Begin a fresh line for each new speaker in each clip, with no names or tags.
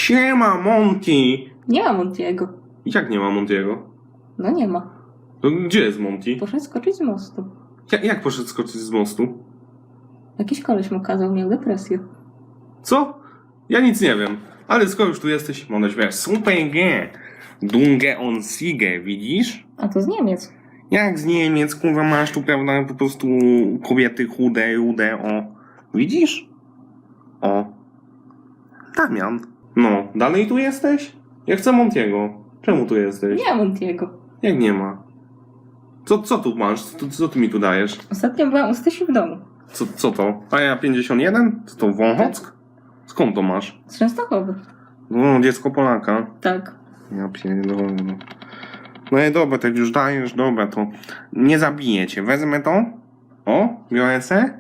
Siema, Monty!
Nie ma Montiego.
Jak nie ma Montiego?
No nie ma.
To gdzie jest Monty?
Poszedł skoczyć z mostu.
Jak poszedł skoczyć z mostu?
Jakiś koleś mu kazał, miał depresję.
Co? Ja nic nie wiem. Ale skoro już tu jesteś, można śpiewać super G. Dunge on Siege, widzisz?
A to z Niemiec.
Jak z Niemiec, kurwa, masz tu, prawda, po prostu kobiety chude, rude, o. Widzisz? O. Damian. No, dalej tu jesteś? Ja chcę Montiego. Czemu tu jesteś?
Nie ma Montiego.
Jak nie ma? Co tu masz? Co ty mi tu dajesz?
Ostatnio byłam u Stysi w domu.
Co to? A ja 51? Co to, Wąchock? Skąd to masz?
Z Częstochowy.
No, dziecko Polaka.
Tak.
Ja pierdolę. No i dobra, tak już dajesz, dobra, to nie zabiję cię. Wezmę to. O, biorę se.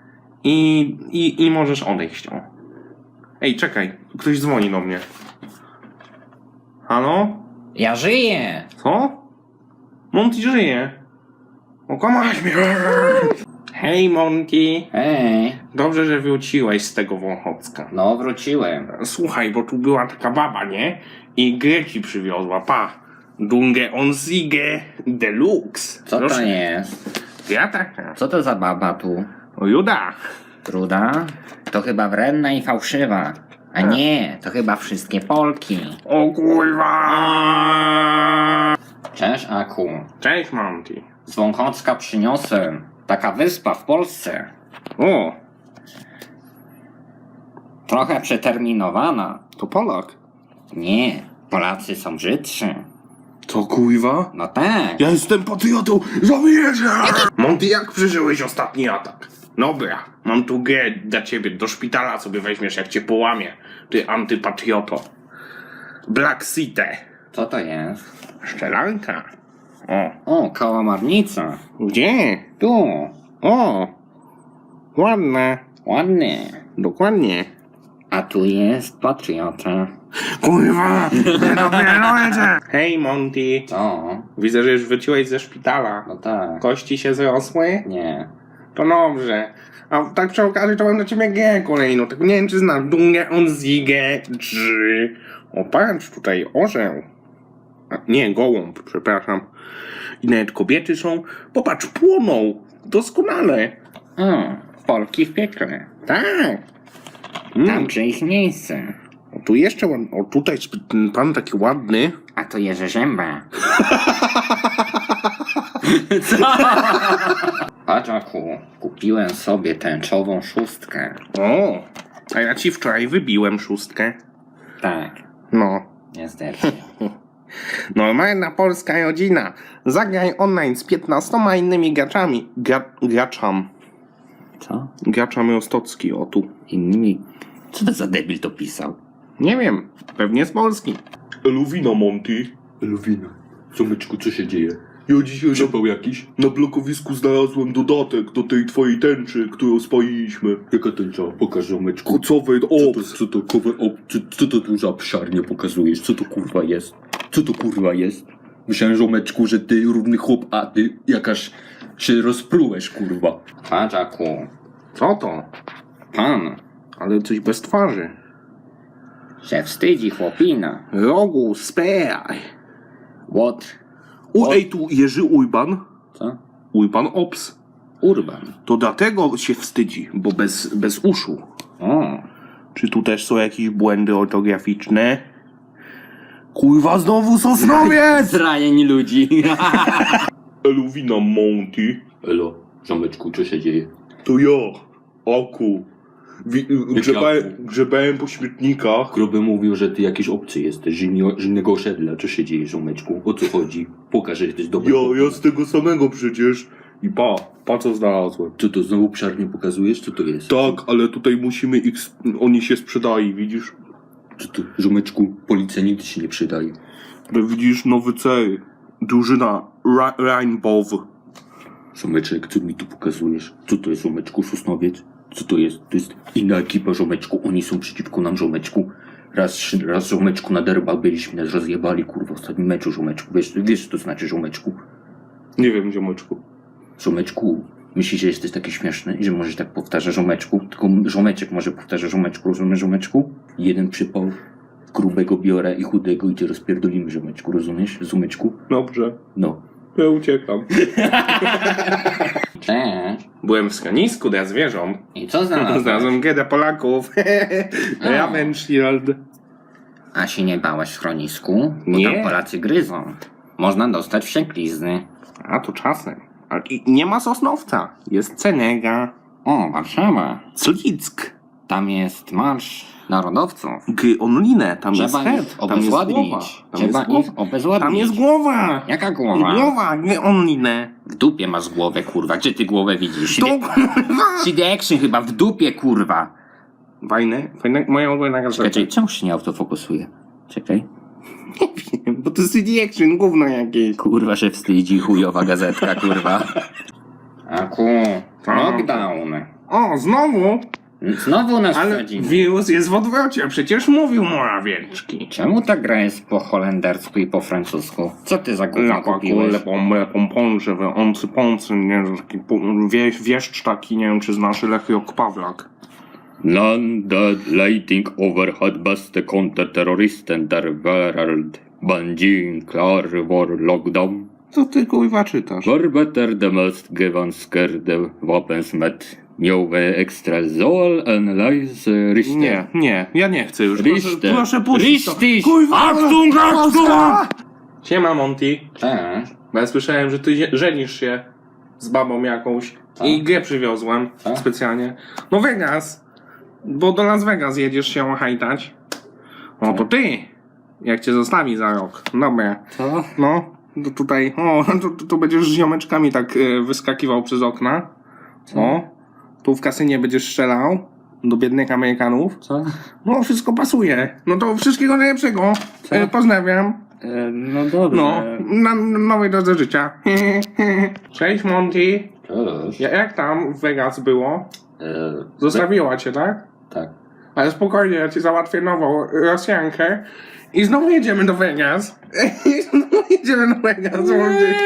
I możesz odejść, o. Ej, czekaj, ktoś dzwoni do mnie. Halo?
Ja żyję!
Co? Monty żyje. Okłamałeś mnie. Hej, Monty.
Hej,
Dobrze, że wróciłeś z tego Wąchocka.
no wróciłem.
Słuchaj, bo tu była taka baba, nie? I grę ci przywiozła, pa. Dunge on Siege Deluxe.
Co
Proszę.
to jest?
Ja taka.
Co to za baba tu?
O, Juda.
Truda? To chyba wredna i fałszywa. A nie, to chyba wszystkie Polki.
O kurwa.
Cześć, Aku.
Cześć, Monty.
Z Wąchocka przyniosłem. Taka wyspa w Polsce.
O,
Trochę przeterminowana.
to Polak.
Nie, Polacy są brzydszy.
To kurwa?
No tak.
Ja jestem patriotą, żołnierzem! Monty, jak przeżyłeś ostatni atak? Dobra, mam tu grę dla ciebie, do szpitala sobie weźmiesz, jak cię połamie, ty antypatrioto. Black City.
Co to jest?
Szczelanka. O,
O, kałamarnica.
gdzie?
Tu.
O, ładne.
Ładnie.
Dokładnie.
A tu jest patriota.
Kurwa, nie dopiero. Hej, Monty.
Co?
Widzę, że już wróciłeś ze szpitala.
No tak.
Kości się zrosły?
Nie.
To dobrze. A tak przy okazji to mam dla ciebie grę kolejną. Tylko nie wiem, czy znasz. Dunge on Siege 3. O, patrz, tutaj orzeł. A, nie, gołąb, przepraszam. I nawet kobiety są. Popatrz, płoną. Doskonale.
O, Polki w piekle.
Tak.
Tam gdzie ich miejsce.
O, tu jeszcze ładny. O, tutaj ten pan taki ładny.
A to Jerzy Rzęba. Co? Patrz, Aku, kupiłem sobie tęczową szóstkę.
O, a ja ci wczoraj wybiłem szóstkę.
Tak,
No.
niestety.
Normalna polska rodzina. Zagraj online z 15 innymi graczami. Graczam.
Co?
Graczam Rostocki, o tu.
Inni? Co to za debil to pisał?
Nie wiem, pewnie z Polski.
Eluwina, Monty. Eluwina. Someczku, co się dzieje? Ja dzisiaj zapał jakiś? Na blokowisku znalazłem dodatek do tej twojej tęczy, którą spaliliśmy. Jaka tęcza? Pokaż, Someczku. Kocowej ops. Co to tu za psiarnie pokazujesz? Co to kurwa jest? Co to kurwa jest? Myślałem, Żomeczku, że ty równy chłop, a ty jakaś się rozprułeś, kurwa.
Patrz, Aku,
Co to?
pan
Ale coś bez twarzy.
się wstydzi chłopina.
Rogu, spej.
What?
Ej, tu Jerzy Ujban.
Co?
Ujban Ops.
Urban.
To dlatego się wstydzi, bo bez uszu.
O,
Czy tu też są jakieś błędy ortograficzne? Kurwa, znowu Sosnowiec!
zranień ludzi.
Eluwina, Monty. Elo, Żomeczku, co się dzieje? To ja, Aku. Grzebałem po śmietnikach.
Gruby mówił, że ty jakiś obcy jesteś, z innego osiedla. Co się dzieje, żołmeczku? O co chodzi? Pokaż, że jesteś dobry.
Ja z tego samego przecież. I pa co znalazłem.
Co to, znowu psiarnię pokazujesz? Co to jest?
Tak, ale tutaj musimy oni się sprzedali, widzisz?
Co to, żołmeczku? Policja nigdy się nie przydaje.
Ale widzisz, nowy cel. Drużyna Rainbow.
Żołmeczek, co mi tu pokazujesz? Co to jest, żołmeczku? Sosnowiec? Co to jest? To jest inna ekipa, żołmeczku. Oni są przeciwko nam, żołmeczku. Raz żołmeczku na derbach byliśmy, nas rozjebali, kurwa, w ostatnim meczu, żołmeczku. Wiesz co to znaczy, żołmeczku?
Nie wiem, ziomeczku.
Żołmeczku, myślisz, że jesteś taki śmieszny i że możesz tak powtarzać żołmeczku? Tylko żołmeczek może powtarza żołmeczku, rozumiesz, żołmeczku? Jeden przypał grubego biorę i chudego i cię rozpierdolimy, ziomeczku, rozumiesz? Zumeczku?
Dobrze,
No.
ja uciekam.
Cześć.
Byłem w schronisku dla zwierząt.
I co znalazłeś?
Znalazłem gedę Polaków. Ravenshield.
A się nie bałeś w schronisku? Bo
Nie.
tam Polacy gryzą. Można dostać wścieklizny.
A to czasem. Ale nie ma Sosnowca. Jest Cenega.
O, Warszawa.
Slick.
Tam jest marsz narodowców.
Onlinę. Tam jest
Trzeba ich
head. Tam jest głowa.
obezwładnić.
Tam
Trzeba
jest głowa.
ich obezwładnić.
Tam jest głowa.
Jaka głowa?
Głowa, nie onlinę.
W dupie masz głowę, kurwa. Gdzie ty głowę widzisz?
To
CD Action chyba w dupie, kurwa.
Fajne, moja ulubiona gazeta.
Czekaj, czemu się nie autofokusuje? Czekaj.
Nie wiem, bo to CD Action, gówno jakieś.
Kurwa się wstydzi, chujowa gazetka, kurwa. Aku, lockdown.
O, znowu?
Znowu nas
Ale
wsadzimy.
wirus jest w odwrocie, przecież mówił Morawiecki.
Czemu ta gra jest po holendersku i po francusku? Co ty za gówno kupiłeś?
Pomponże, oncy, nie wiem, taki wieszcz taki, nie wiem, czy znasz Lech Jok Pawlak.
Land that lighting overhead bäste konterterroristen der värld. Banjin klar vår lockdown.
Co ty kurwa czytasz?
Var better the most gevansker the wapensmet. Mjove extra zol en leise richter.
Nie, ja nie chcę już.
Richter.
Proszę puścić to.
Richtig.
Kurwa,
Achtung, Achtung!
Siema Monty.
Cześć.
Bo ja słyszałem, że ty żenisz się z babą jakąś i grę przywiozłem specjalnie. No Vegas, bo do Las Vegas jedziesz się hajtać. O to ty, jak cię zostawi za rok. Dobra.
Co?
No, to tutaj, tu będziesz z ziomeczkami tak wyskakiwał przez okna. O, tu w kasynie będziesz strzelał do biednych Amerykanów.
Co?
No, wszystko pasuje. No to wszystkiego najlepszego. Pozdrawiam.
No dobrze.
No, na nowej drodze życia. Cześć Monty.
Cześć.
Jak tam w Vegas było? Zostawiła cię, tak?
Tak.
Ale spokojnie, ja ci załatwię nową Rosjankę. I znowu jedziemy do Vegas. I znowu jedziemy do Vegas, Monty.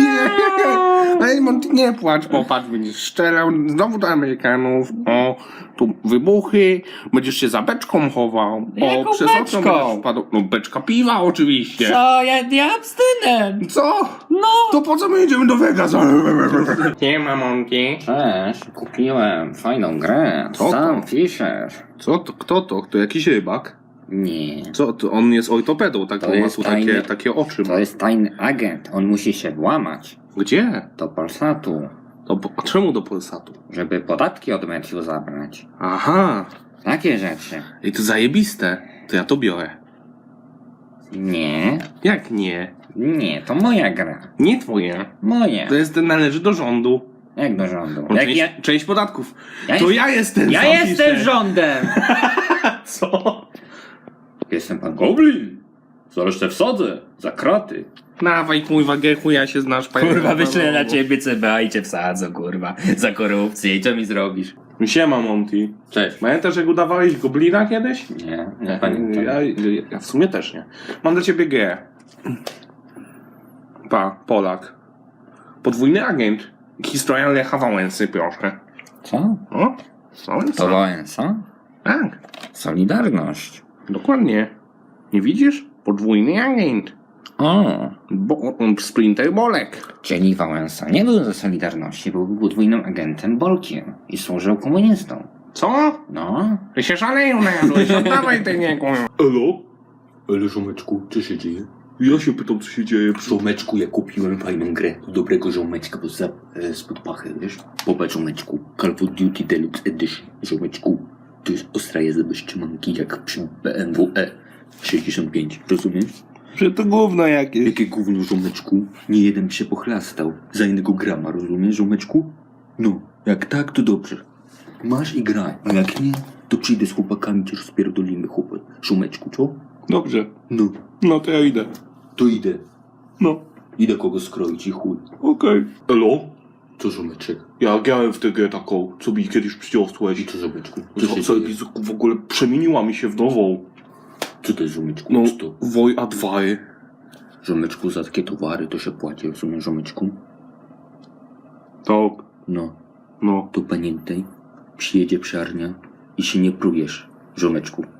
Ale Monty, nie płacz, popatrz, będziesz strzelał znowu do Amerykanów. O, tu wybuchy, będziesz się za beczką chował.
Jaką
przez okno
beczką?
będziesz wpadł. No beczka piwa oczywiście.
Co? Ja abstynent.
Co?
No.
To po co my jedziemy do Vegas? Nie ma Monty.
Cześć, kupiłem fajną grę.
Co to?
Sam Fisher.
Co to? Kto to? To jakiś rybak?
Nie.
Co to? On jest ortopedą, tak?
To
On ma
jest
tu
tajny-
takie oczy.
To jest tajny agent. On musi się włamać
Gdzie?
do Polsatu,
A czemu do Polsatu?
żeby podatki od meczu zabrać.
Aha.
Takie rzeczy.
I to zajebiste. To ja to biorę.
Nie.
Jak nie?
Nie, to moja gra.
Nie twoje.
Moje.
To jest, należy do rządu.
Jak do rządu?
On
Jak
część,
ja...
część podatków.
Ja
To
jest-
ja jestem
Ja
sam
jestem
piszę.
rządem!
Co?
Jestem pan
Goblin! Zaraz te wsadzę. Za kraty.
Dawaj kurwa Gechu, ja się znasz.
Kurwa, wyślę na ciebie CBA i cię wsadzą, kurwa. Za korupcję i co mi zrobisz?
Siema Monty.
Cześć.
Pamiętasz jak udawałeś goblina kiedyś?
Nie pamiętam.
Ja w sumie też nie. Mam dla ciebie grę. Polak. Podwójny agent. Historia Lecha Wałęsy, proszę.
Co?
O? Wałęsa.
To Wałęsa?
Tak,
Solidarność.
dokładnie. Nie widzisz? Podwójny agent.
O,
Splinter Bolek.
czyli Wałęsa nie był ze Solidarności, był podwójnym agentem Bolkiem i służył komunistom.
Co?
No,
Ty się szaleją najadłeś, oddawaj ty nie kurwa.
Elo? Ale żomeczku, co się dzieje? Ja się pytam, co się dzieje.
Żomeczku, ja kupiłem fajną grę. Dobrego żomeczka, bo spod pachy, wiesz? Popatrz, żomeczku. Call of Duty Deluxe Edition. Żomeczku, to jest ostra jazda bez trzymanki, jak przy BMW E65. Rozumiesz?
Że to gówno jakieś.
Jakie gówno, żomeczku. Nie jeden się pochlastał. Za jednego grama, rozumiesz, żomeczku? No, jak tak, to dobrze. Masz i graj, a jak nie, to przyjdę z chłopakami, cię rozpierdolimy, chłopak. Żomeczku, co?
Dobrze.
No,
No to ja idę.
to idę.
No.
Idę kogo skroić i chuj.
Okej.
Elo?
Co, żomeczek?
Ja grałem w tę grę taką, co mi kiedyś przyniosłeś.
I co, żomeczku? Co się
Co,
dzieje?
w ogóle przemieniła mi się w nową.
Co to jest, żomeczku?
No,
Co to?
Woj A2.
Żomeczku, za takie towary to się płaci, rozumiesz, żomeczku?
Tak,
No,
no.
to pamiętaj, przyjedzie psiarnia i się nie prujesz, żomeczku.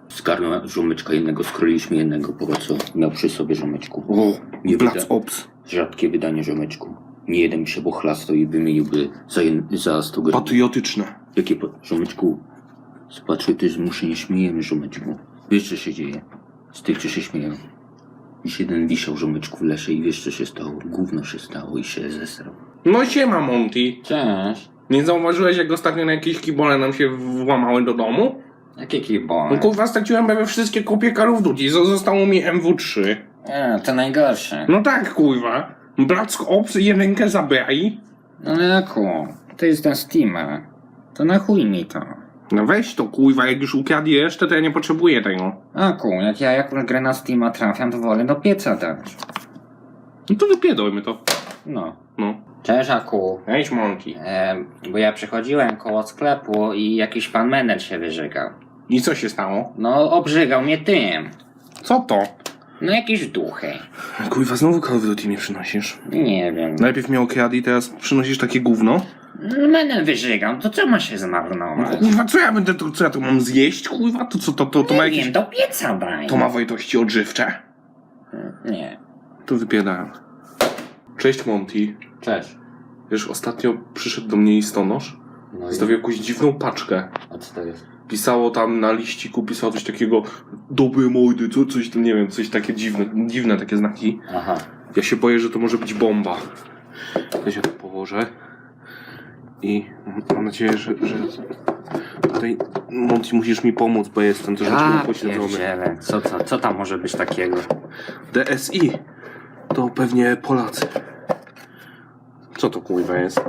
Zgarnął żomeczka jednego, skroiliśmy jednego, po co miał przy sobie żomeczku.
O,
Nie
Black
wyda-
Ops.
Rzadkie wydanie żomeczku. Nie jeden się pochlastał i wymieniłby za 100 gram.
Patriotyczne.
Jakie żomeczku? Z patriotyzmu się nie śmiejemy, żomeczku. Wiesz, co się dzieje? Z tych, co się śmieją. Dziś jeden wisiał żomeczku w lesie i wiesz, co się stało? Gówno się stało i się zesrał.
No siema, Monty.
Cześć.
Nie zauważyłeś, jak ostatnio na jakieś kibole nam się włamały do domu?
Jakie
No
kibole?
kurwa, straciłem prawie wszystkie kopie Call of Duty. Zostało mi MW3.
To najgorsze.
No tak, kurwa. Black Ops 1 zabrali.
No Jaku, to jest ten Steama. To na chuj mi to.
No weź to, kurwa, jak już ukradli resztę, to ja nie potrzebuję tego.
Aku, jak ja jakąś grę na Steama trafiam, to wolę do pieca dać.
No to wypierdolmy to.
No.
No.
Cześć Aku.
Weź, Monty.
Bo ja przychodziłem koło sklepu i jakiś pan menel się wyżygał.
I co się stało?
No, obrzygał mnie tym.
Co to?
No, jakieś duchy.
Kurwa, znowu Call of Duty mi przynosisz.
Nie wiem.
Najpierw mnie okradli, teraz przynosisz takie gówno?
Menel wyżygał, to co ma się zmarnować?
Kurwa, co ja będę, co ja tu mam zjeść, kurwa? To co, to ma
Nie
jakieś...
wiem, do pieca daj.
To ma wartości odżywcze?
Nie.
To wypierdałem. Cześć, Monty.
Cześć.
Wiesz, ostatnio przyszedł do mnie listonosz,
No
zostawił jakąś dziwną paczkę.
A co to jest?
Pisało tam na liściku, pisało coś takiego, dobre mordy, coś tam, nie wiem, coś takie dziwne takie znaki.
Aha.
Ja się boję, że to może być bomba. Ja się tu położę i mam nadzieję, że tutaj, Monty, musisz mi pomóc, bo jestem troszeczkę upośledzony.
pierdzielę. Co tam może być takiego?
DSI to pewnie Polacy. Co to kurwa jest?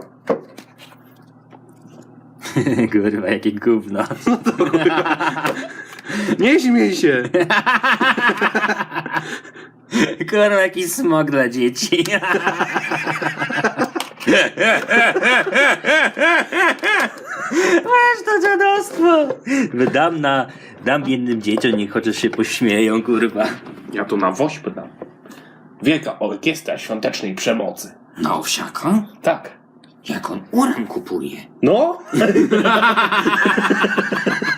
Kurwa, jakie gówno.
Nie śmiej się!
Kurwa, jaki smok dla dzieci. Masz to dziadostwo. Dam biednym dzieciom, niech chociaż się pośmieją, kurwa.
Ja to na wośpę dam. Wielka Orkiestra Świątecznej Przemocy.
No, owsiaka?
Tak.
Jak on uran kupuje?
No?